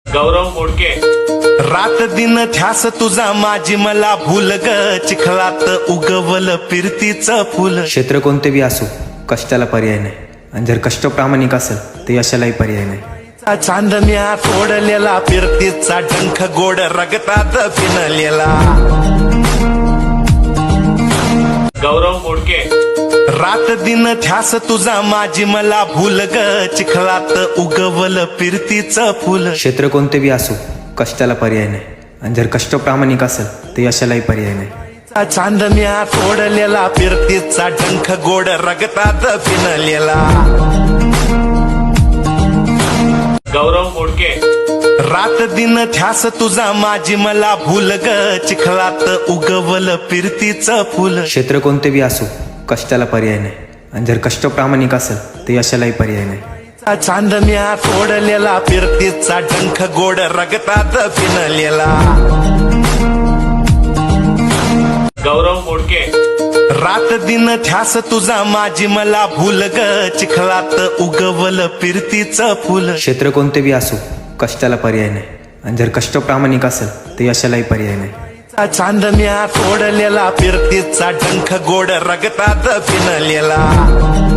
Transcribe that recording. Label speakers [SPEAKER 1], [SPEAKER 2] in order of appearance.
[SPEAKER 1] गौरव मोडके.
[SPEAKER 2] रात दिन ध्यास तुझा माझी मला भूल ग, चिखलात उगवल फिरतीचं फुल.
[SPEAKER 3] क्षेत्र कोणते बी असो कष्टाला पर्याय नाही, आणि जर कष्ट प्रामाणिक असेल तर यशालाही पर्याय नाही.
[SPEAKER 2] चांदण्या तोडलेला फिरतीचा डंख गोड रगतात फिनलेला.
[SPEAKER 1] गौरव मोडके.
[SPEAKER 2] रात दिन ध्यास तुझा माझी मला भूल ग, चिखलात उगवल फिरतीचं फुल.
[SPEAKER 3] क्षेत्र कोणते बी असो कष्टाला पर्याय नाही, आणि जर कष्ट प्रामाणिक असेल तर यशालाही पर्याय नाही.
[SPEAKER 2] चांदण्या तोडलेला फिरतीचा डंख गोड रगतात फिनलेला.
[SPEAKER 1] गौरव मोडके.
[SPEAKER 2] रात दिन ध्यास तुझा माझी मला भूल ग, चिखलात उगवल फिरतीचं फुल.
[SPEAKER 3] क्षेत्र कोणते बी असो कष्टाला पर्याय नाही, आणि जर कष्ट प्रामाणिक असेल तर यशालाही पर्याय नाही.
[SPEAKER 2] चांदण्या तोडलेला फिरतीचा डंख गोड रगतात फिनलेला.
[SPEAKER 1] गौरव मोडके.
[SPEAKER 2] रात दिन ध्यास तुझा माझी मला भूल ग, चिखलात उगवल फिरतीचं फुल.
[SPEAKER 3] क्षेत्र कोणते बी असो कष्टाला पर्याय नाही, आणि जर कष्ट प्रामाणिक असेल तर यशालाही पर्याय नाही.
[SPEAKER 2] चांदण्या तोडलेला फिरतीचा डंख गोड रगतात फिनलेला.